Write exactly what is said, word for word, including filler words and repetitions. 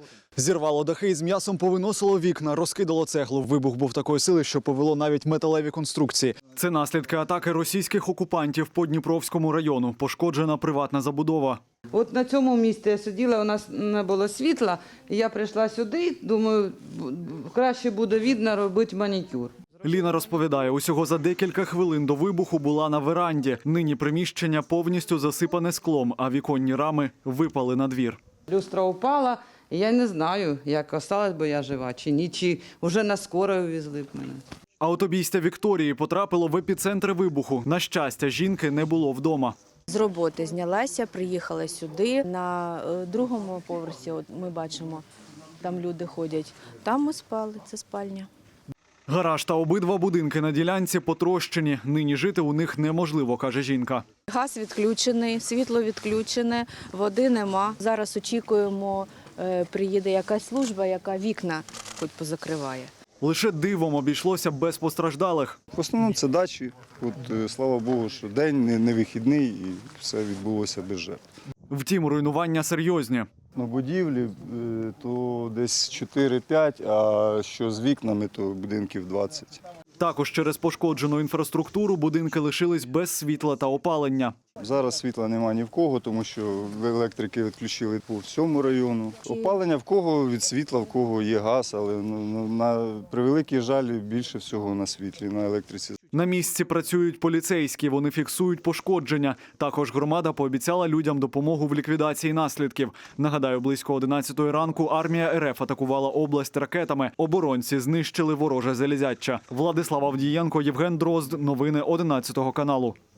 Зірвало дахи і з м'ясом повиносило вікна, розкидало цеглу. Вибух був такої сили, що повело навіть металеві конструкції. Це наслідки атаки російських окупантів по Дніпровському району. Пошкоджена приватна забудова. От на цьому місці я сиділа, у нас не було світла, і я прийшла сюди, думаю, краще буде видно робити манікюр. Ліна розповідає, усього за декілька хвилин до вибуху була на веранді. Нині приміщення повністю засипане склом, а віконні рами випали на двір. Люстра упала, і я не знаю, як осталась би я жива чи ні, чи вже на скорою везли б мене. Аутобійстя Вікторії потрапило в епіцентр вибуху. На щастя, жінки не було вдома. З роботи знялася, приїхала сюди. На другому поверсі, от ми бачимо, там люди ходять. Там ми спали, це спальня. Гараж та обидва будинки на ділянці потрощені. Нині жити у них неможливо, каже жінка. Газ відключений, світло відключене, води нема. Зараз очікуємо, приїде якась служба, яка вікна хоч позакриває. Лише дивом обійшлося без постраждалих. В основному це дачі. От, слава Богу, що день не, не вихідний і все відбулося без жертв. Втім, руйнування серйозні. На будівлі то десь чотири-п'ять, а що з вікнами, то будинків двадцять. Також через пошкоджену інфраструктуру будинки лишились без світла та опалення. Зараз світла немає ні в кого, тому що електрики відключили по всьому району. Опалення в кого від світла, в кого є газ, але ну, на превеликий жаль більше всього на світлі, на електриці. На місці працюють поліцейські, вони фіксують пошкодження. Також громада пообіцяла людям допомогу в ліквідації наслідків. Нагадаю, близько одинадцятої ранку армія РФ атакувала область ракетами. Оборонці знищили вороже залізяча. Владислав Авдієнко, Євген Дрозд. Новини одинадцятого каналу.